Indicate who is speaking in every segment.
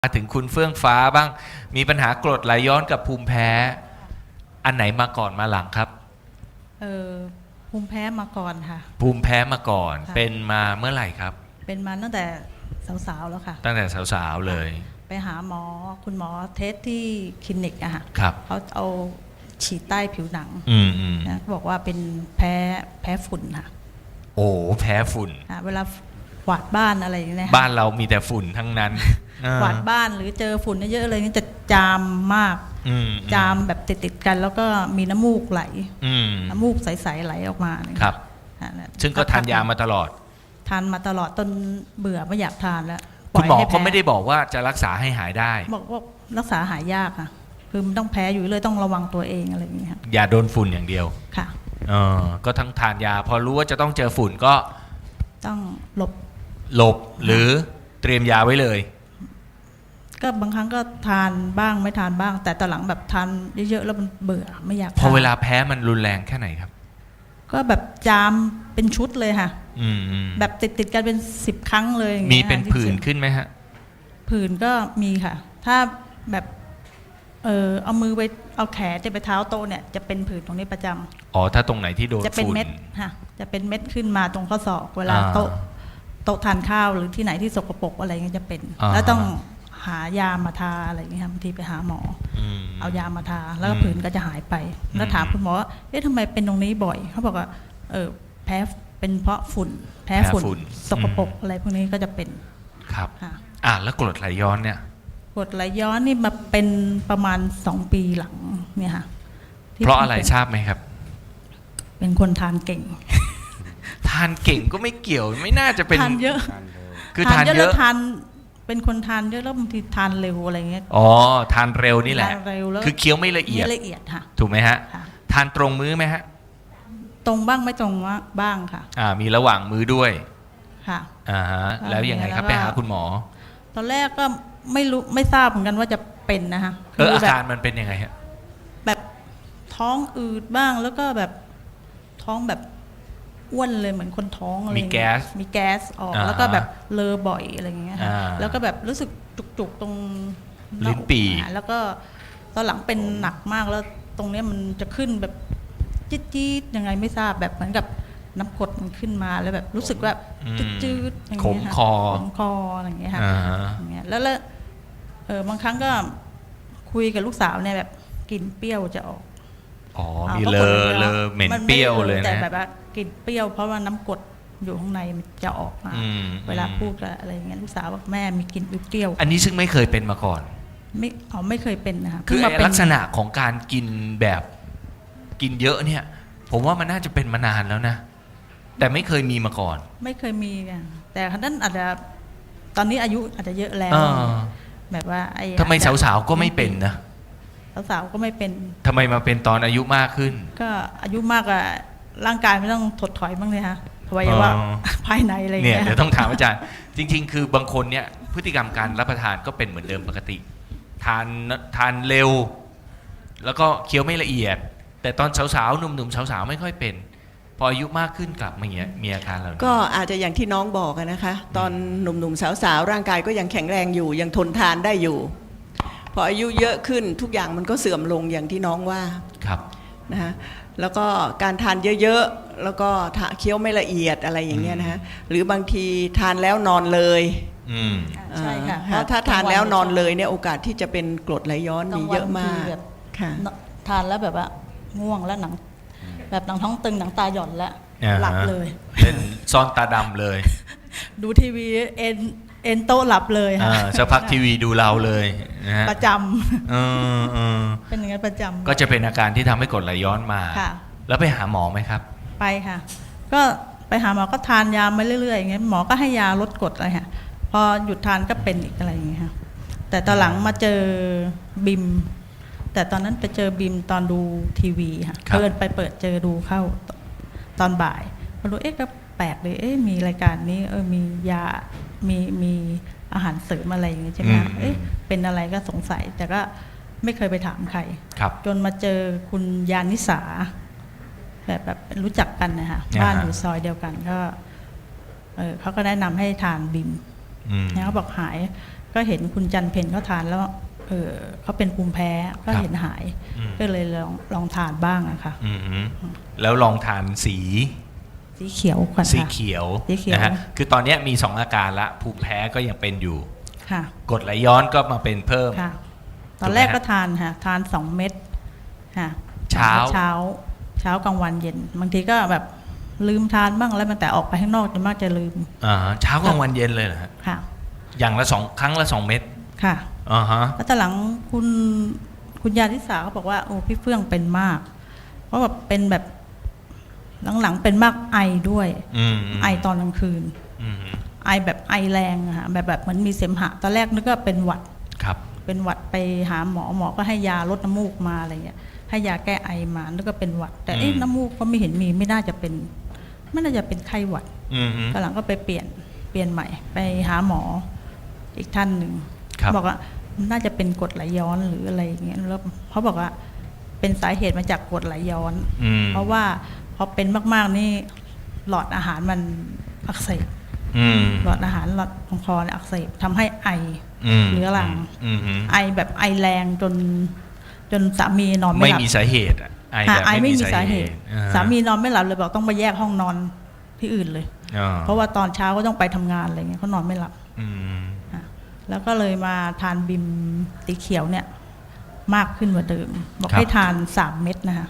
Speaker 1: มาถึงคุณเฟื่องฟ้าบ้างมีปัญหากรดไหลย้อนกับภูมิแพ้อันไหนมาก่อนมาหลังครับ
Speaker 2: เออภูมิแพ้มาก่อนค่ะ
Speaker 1: ภูมิแพ้มาก่อน
Speaker 2: ค่ะ
Speaker 1: เป็นมาเมื่อไหร่ครับ
Speaker 2: เป็นมาตั้งแต่สาวๆแล้วค่ะ
Speaker 1: ตั้งแต่สาวๆเลย
Speaker 2: ไปหาหมอคุณหมอเทสที่คลินิกอะค่ะ
Speaker 1: ครับ
Speaker 2: เขาเอาฉีดใต้ผิวหนังนะบอกว่าเป็นแพ้ฝุ่นค่ะ
Speaker 1: โอ้แพ้ฝุ่น
Speaker 2: เวลากวาดบ้านอะไรอย่างเงี้ย
Speaker 1: บ้านเรามีแต่ฝุ่นทั้งนั้น
Speaker 2: กวาดบ้านหรือเจอฝุ่นเยอะๆเลยนี่จะจามมากจามแบบติดๆกันแล้วก็มีน้ำมูกไหลน้ำมูกใสๆไหลออกมา
Speaker 1: ครับซึ่งก็ทานยามาตลอด
Speaker 2: ทานมาตลอดจนเบื่อไม่อยากทานแล้ว
Speaker 1: คุณหมอก็ไม่ได้บอกว่าจะรักษาให้หายได้
Speaker 2: บอกว่ารักษาหายยากค่ะคือมันต้องแพ้อยู่เลยต้องระวังตัวเองอะไรอย่างเงี้ย
Speaker 1: อย่าโดนฝุ่นอย่างเดียว
Speaker 2: ค่ะ
Speaker 1: ก็ทั้งทานยาพอรู้ว่าจะต้องเจอฝุ่นก็
Speaker 2: ต้องห
Speaker 1: ลบหรือเตรียมยาไว้เลย
Speaker 2: ก็บางครั้งก็ทานบ้างไม่ทานบ้างแต่ตอนหลังแบบทานเยอะๆแล้วมันเบื่อไม่อยาก
Speaker 1: พอเวลาแพ้มันรุนแรงแค่ไหนครับ
Speaker 2: ก็แบบจามเป็นชุดเลยค่ะแบบติดกันเป็น10 ครั้งเลย
Speaker 1: มีเป็นผื่นขึ้นไหมฮะ
Speaker 2: ผื่นก็มีค่ะถ้าแบบเอามือไปเอาแขนจะไปเท้าโต๊ะเนี่ยจะเป็นผื่นตรงนี้ประจำ
Speaker 1: อ๋อถ้าตรงไหนที่โดน
Speaker 2: จะเป็นเม็ดค่ะจะเป็นเม็ดขึ้นมาตรงข้อศอกเวลาโต๊ะทานข้าวหรือที่ไหนที่สกปรกอะไรเงี้ยจะเป็นแล้วต้องหายามาทาอะไรอย่างเงี้ยบางทีไปหาหมอเอายามาทาแล้วก็ผื่นก็จะหายไปแล้วถามคุณหมอว่าเอ๊ะทำไมเป็นตรงนี้บ่อยเขาบอกว่าแพ้เป็นเพราะฝุ่นแพ้ฝุ่นสกปรกอะไรพวกนี้ก็จะเป็น
Speaker 1: ครับแล้วกรดไหลย้อนเนี่ย
Speaker 2: กรดไหลย้อนนี่มาเป็นประมาณ2 ปีหลังเนี่ยค่ะ
Speaker 1: เพราะอะไรทราบไหมครับ
Speaker 2: เป็นคนทานเก่ง
Speaker 1: ทานเก่งก็ไม่เกี่ยวไม่น่าจะเป็น
Speaker 2: ทานเยอะ
Speaker 1: คือทานเยอะ
Speaker 2: ทานเป็นคนทานเยอะแล้วบางทีทานเร็วอะไรเงี้ย
Speaker 1: ทานเร็วนี่แหละคือเคี้ยวไม่ละเอียด
Speaker 2: ค่ะ
Speaker 1: ถูกไหมฮะทานตรงมื้อไหมฮะ
Speaker 2: ตรงบ้างไม่ตรงบ้างค่ะ
Speaker 1: มีระหว่างมื้อด้วย
Speaker 2: ค่ะ
Speaker 1: แล้วยังไงครับไปหาคุณหมอ
Speaker 2: ตอนแรกก็ไม่รู้ไม่ทราบเหมือนกันว่าจะเป็นนะคะ
Speaker 1: อาการมันเป็นยังไงฮะ
Speaker 2: แบบท้องอืดบ้างแล้วก็แบบท้องแบบอ้วนเลยเหมือนคนท้องอะไรมีแก๊สออกแล้วก็แบบเลอบ่อยอะไรอย่างเงี้ยค่ะแล้วก็แบบรู้สึกจุกๆตรง
Speaker 1: ลิ้นปี่
Speaker 2: แล้วก็ตอนหลังเป็นหนักมากแล้วตรงนี้มันจะขึ้นแบบจี๊ดๆยังไงไม่ทราบแบบเหมือนกับน้ำกรดมันขึ้นมาแล้วแบบรู้สึกแบบจืดๆอย่างเงี้ยค่ะขมคออะไรอย่างเงี้ยค่ะอย่างเงี้ยแล้วบางครั้งก็คุยกับลูกสาวเนี่ยแบบกลิ่นเปรี้ยวจะออก
Speaker 1: มีเลอเหม็นเปรี้ยวเลยนะ
Speaker 2: แต่แบบว่ากลิ่นเปรี้ยวเพราะว่าน้ำกรดอยู่ข้างในมันจะออกมาเวลาพูดอะไรอย่างเงี้ยลูกสาวบอกแม่มีกลิ่นเปรี้ยว
Speaker 1: อันนี้ซึ่งไม่เคยเป็นมาก่อน
Speaker 2: ไม่เคยเป็นนะคะ
Speaker 1: คือลักษณะของการกินแบบกินเยอะเนี่ยผมว่ามันน่าจะเป็นมานานแล้วนะแต่ไม่เคยมีมาก่อน
Speaker 2: ไม่เคยมีค่ะแต่ท่านอาจจะตอนนี้อายุอาจจะเยอะแล้วแบบว่า
Speaker 1: ทำไมสาวๆก็ไม่เป็นนะ
Speaker 2: สาวๆก็ไม่เป็น
Speaker 1: ทำไมมาเป็นตอนอายุมากขึ้น
Speaker 2: ก็อายุมากอะร่างกายไม่ต้องถดถอยบ้างเลยฮะอวัยวะภายในอะไร
Speaker 1: เนี่ยเดี๋ยวต้องถามอาจารย์จริงๆคือบางคนเนี่ยพฤติกรรมการรับประทานก็เป็นเหมือนเดิมปกติทานเร็วแล้วก็เคี้ยวไม่ละเอียดแต่ตอนสาวๆหนุ่มๆสาวๆไม่ค่อยเป็นพออายุมากขึ้นกลับมามีอาการอะไร
Speaker 3: ก็อาจจะอย่างที่น้องบอกนะคะตอนหนุ่มๆสาวๆร่างกายก็ยังแข็งแรงอยู่ยังทนทานได้อยู่พออายุเยอะขึ้นทุกอย่างมันก็เสื่อมลงอย่างที่น้องว่า
Speaker 1: ครับ
Speaker 3: นะคะแล้วก็การทานเยอะๆแล้วก็เคี้ยวไม่ละเอียดอะไรอย่างเงี้ยนะคะหรือบางทีทานแล้วนอนเลย
Speaker 2: ใช่ค่ะ
Speaker 3: เพราะถ้าทานแล้วนอนเลยเนี่ยโอกาสที่จะเป็นกรดไหลย้อนมีเยอะมาก
Speaker 2: ค่ะทานแล้วแบบว่าง่วงแล้วหนังแบบหนังท้องตึงหนังตาหย่อนแล้วหลับเลย
Speaker 1: เป็นซ่อนตาดำเลย
Speaker 2: ดูทีวีเอ็นโต๊ะหลับเลยค่ะ
Speaker 1: สักพักทีวีดูเราเลยนะฮะ
Speaker 2: ประจำเป็นอย่างนั้นประจำ
Speaker 1: ก็จะเป็นอาการที่ทำให้กรดไหลย้อนมาแล้วไปหาหมอไหมครับ
Speaker 2: ไปค่ะก็ไปหาหมอก็ทานยามาเรื่อยๆอย่างเงี้ยหมอก็ให้ยาลดกรดอะไรค่ะพอหยุดทานก็เป็นอีกอะไรอย่างเงี้ยค่ะแต่ตอนหลังมาเจอบิมแต่ตอนนั้นไปเจอบิมตอนดูทีวีค่ะเปิดเจอดูเข้าตอนบ่ายพอรู้ก็แปลกเลยมีรายการนี้มียามีอาหารเสริมอะไรอย่างเงี้ยใช่ไหมเป็นอะไรก็สงสัยแต่ก็ไม่เคยไปถามใครจนมาเจอคุณยานิสาแบบรู้จักกันนะคะบ้านอยู่ซอยเดียวกันก็เขาก็แนะนำให้ทานบิมเขาบอกหายก็เห็นคุณจันเพนเขาทานแล้วเขาเป็นภูมิแพ้ก็เห็นหาย ก็เลยลองทานบ้างอะค่ะ
Speaker 1: แล้วลองทานสี
Speaker 2: เขียวก่อน
Speaker 1: สี
Speaker 2: ค่ะ
Speaker 1: เขียว
Speaker 2: สีเขียว
Speaker 1: นะฮะคือตอนนี้มี2อาการละภูมิแพ้ก็ยังเป็นอยู่
Speaker 2: ค่ะ
Speaker 1: กรดไหลย้อนก็มาเป็นเพิ่ม
Speaker 2: ค่ะ ตอนแรกก็ทานค่ะทาน2 เม็ดค่ะ
Speaker 1: เช้า
Speaker 2: เช้ากลางวันเย็นบางทีก็แบบลืมทานบ้างแล้วมันแต่ออกไปข้างนอกจะมากจะลืม
Speaker 1: เช้ากลางวันเย็นเลยเหรอฮะ
Speaker 2: ค่ะ
Speaker 1: อย่างละ2ครั้งละ2 เม็ด
Speaker 2: ค่ะ
Speaker 1: อ่าฮะ
Speaker 2: แล้วตอนหลังคุณยาทิสาเขาบอกว่าโอ้พี่เฟื่องเป็นมาก เพราะแบบเป็นแบบหลังๆเป็นมากไอด้วย ไอตอนกลางคืน ไอแบบไอแรงอะค่ะแบบเหมือนมีเสมหะตอนแรกนึกว่าเป็นหวัด
Speaker 1: ครับ
Speaker 2: เป็นหวัดไปหาหมอก็ให้ยาลดน้ำมูกมาอะไรเงี้ยให้ยาแก้ไอมานึกว่าเป็นหวัด แต่น้ำมูกก็ไม่เห็นมีไม่น่าจะเป็นไข้หวัดตอนหลังก็ไปเปลี่ยนใหม่ไปหาหมออีกท่านหนึ่งบอกว่าน่าจะเป็นกรดไหลย้อนหรืออะไรอย่างเงี้ยแล้วเขาบอกว่าเป็นสาเหตุมาจากกรดไหลย้อน เพราะว่าพอเป็นมากๆนี่หลอดอาหารมันอักเสบหลอดอาหารหลอดของคอเนี่ยอักเสบทำให้ไอเรื้อรังไอแบบไอแรงจนสามีนอนไม่หลับ
Speaker 1: ไม่มีสาเหตุไอแบบไม่มีสาเหตุ
Speaker 2: สามีนอนไม่หลับเลยบอกต้องไปแยกห้องนอนที่อื่นเลยเพราะว่าตอนเช้าก็ต้องไปทำงานอะไรเงี้ยเขานอนไม่หลับแล้วก็เลยมาทานบิมสีเขียวเนี่ยมากขึ้นกว่าเดิมบอกให้ทาน3 เม็ดนะคะ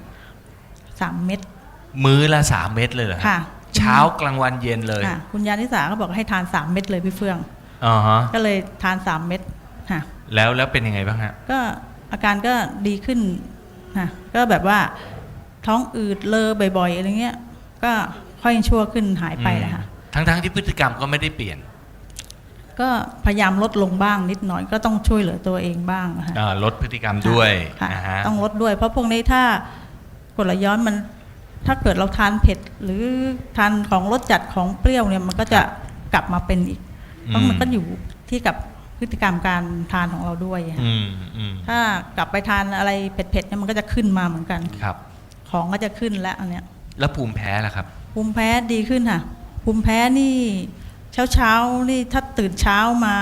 Speaker 2: 3 เม็ด
Speaker 1: มื้อละ3 เม็ดเลยเหรอ
Speaker 2: ค่ะ
Speaker 1: เช้ากลางวันเย็นเลย
Speaker 2: คุณยานิสาก็บอกให้ทาน3 เม็ดเลยพี่เฟื่องก็เลยทาน3 เม็ดค่ะ
Speaker 1: แล้วเป็นยังไงบ้างฮะ
Speaker 2: ก็อาการก็ดีขึ้นค่ะก็แบบว่าท้องอืดเลอบ่อยๆอะไรเงี้ยก็ค่อยชั่วขึ้นหายไปเลยค่ะ
Speaker 1: ทั้งที่พฤติกรรมก็ไม่ได้เปลี่ยน
Speaker 2: ก็พยายามลดลงบ้างนิดหน่อยก็ต้องช่วยเหลือตัวเองบ้างค่ะ
Speaker 1: ลดพฤติกรรมด้วย
Speaker 2: ต้องลดด้วยเพราะพวกนี้ถ้ากรดไหลย้อนมันถ้าเกิดเราทานเผ็ดหรือทานของรสจัดของเปรี้ยวเนี่ยมันก็จะกลับมาเป็นอีกเพราะมันก็อยู่ที่กับพฤติกรรมการทานของเราด้วยถ้ากลับไปทานอะไรเผ็ดๆเนี่ยมันก็จะขึ้นมาเหมือนกัน
Speaker 1: ครับ
Speaker 2: ของก็จะขึ้นแล้วอันเนี้ย
Speaker 1: แล้วภูมิแพ้ล่ะครับ
Speaker 2: ภูมิแพ้ดีขึ้นค่ะภูมิแพ้นี่เช้านี่ถ้าตื่นเช้ามา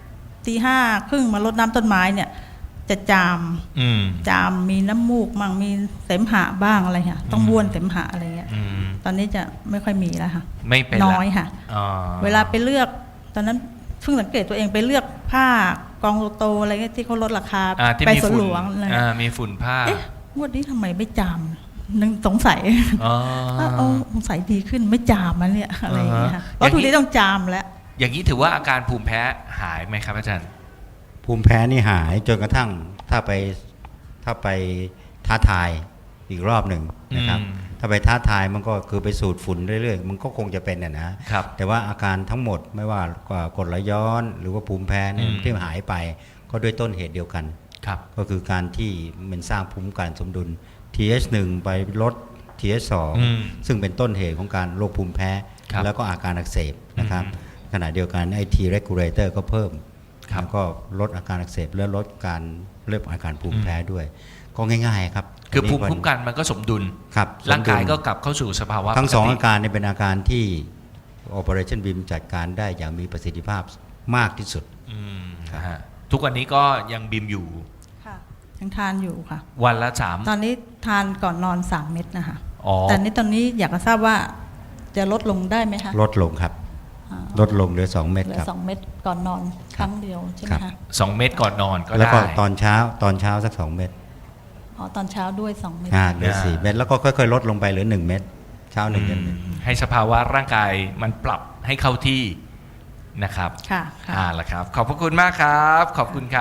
Speaker 2: 5:30มารดน้ำต้นไม้เนี่ยจะจามมีน้ำมูกมั่งมีเสมหะบ้างอะไรค่ะต้องบ้วนเสมหะอะไรเงี้ยตอนนี้จะไม่ค่อยมีแล้วค่ะ
Speaker 1: ไม่เป็น
Speaker 2: น้อยค่ะเวลาไปเลือกตอนนั้นเพิ่งสังเกตตัวเองไปเลือกผ้ากองโตๆอะไรเงี้ยที่เขาลดราคาไปสวนหลวงอะไร
Speaker 1: มีฝุ่นผ้
Speaker 2: างวดนี้ทำไมไม่จามนึงสงสัยสงสัยดีขึ้นไม่จามมันเนี่ยอะไรอย่างเงี้ยเพราะทุกทีต้องจามแล้ว
Speaker 1: อย่างนี้ถือว่าอาการภูมิแพ้หายไหมครับอาจารย์
Speaker 4: ภูมิแพ้นี่หายจนกระทั่งถ้าไปท้าทายอีกรอบหนึ่งนะครับถ้าไปท้าทายมันก็คือไปสูดฝุ่นเรื่อยๆมันก็คงจะเป็นนะครับแต่ว่าอาการทั้งหมดไม่ว่ากรดไหลย้อนหรือว่าภูมิแพ้เนี่ยที่หายไปก็ด้วยต้นเหตุเดียวกันก็คือการที่มันสร้างภูมิคุ้มกันสมดุล TH1 ไปลด TH2 ซึ่งเป็นต้นเหตุของการโรคภูมิแพ้แล้วก็อาการอักเสบนะครับขณะเดียวกันไอ้ T regulator ก็เพิ่มแล้วก็ลดอาการอักเสบและลดการเริ่มอาการภูมิแพ้ด้วยก็ง่ายๆครับ
Speaker 1: คือภูมิคุ้มกันมันก็สมดุลร่างกายก็กลับเข้าสู่สภาวะ
Speaker 4: ทั้ง2อาการนี้เป็นอาการที่ Operation BIM จัดการได้อย่างมีประสิทธิภาพมากที่สุด
Speaker 1: ทุกวันนี้ก็ยังบิมอยู่
Speaker 2: ยังทานอยู่ค่ะ
Speaker 1: วันละ3
Speaker 2: ตอนนี้ทานก่อนนอน3 เม็ดนะคะแต่ตอนนี้อยากจะทราบว่าจะลดลงได้ไหมคะ
Speaker 4: ลดลงครับลดลงเหลือ2 เม็ดครับ
Speaker 2: 2 เม็ดก่อนนอนครั้งเดียวใช่ไหมคะ
Speaker 1: 2 เม็ดก่อนนอนก็ได้
Speaker 4: แล้วก็ตอนเช้าสัก2 เม็ด
Speaker 2: ตอนเช้าด้วย2 เม็ด
Speaker 4: เหลือ4 เม็ดแล้วก็ค่อยๆลดลงไปเหลือ1 เม็ดเช้า1 เม็ด
Speaker 1: ให้สภาวะร่างกายมันปรับให้เข้าที่นะครับ
Speaker 2: ค่ะ
Speaker 1: ล่ะครับขอบพระคุณมากครับขอบคุณครับ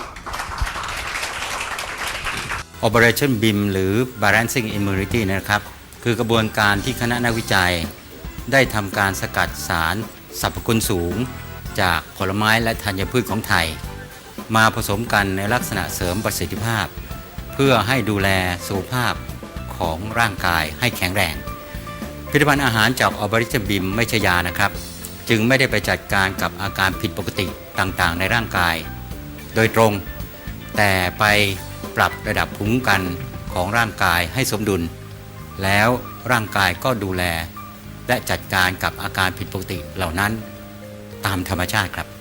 Speaker 4: Operation BIM หรือ Balancing Immunity นะครับคือกระบวนการที่คณะนักวิจัยได้ทำการสกัดสารสรรพคุณสูงจากผลไม้และธัญพืชของไทยมาผสมกันในลักษณะเสริมประสิทธิภาพเพื่อให้ดูแลสุขภาพของร่างกายให้แข็งแรงผลิตภัณฑ์อาหารจาก Operation BIM ไม่ใช่ยานะครับจึงไม่ได้ไปจัดการกับอาการผิดปกติต่างๆในร่างกายโดยตรงแต่ไปปรับระดับภูมิคุ้มกันของร่างกายให้สมดุลแล้วร่างกายก็ดูแลและจัดการกับอาการผิดปกติเหล่านั้นตามธรรมชาติครับ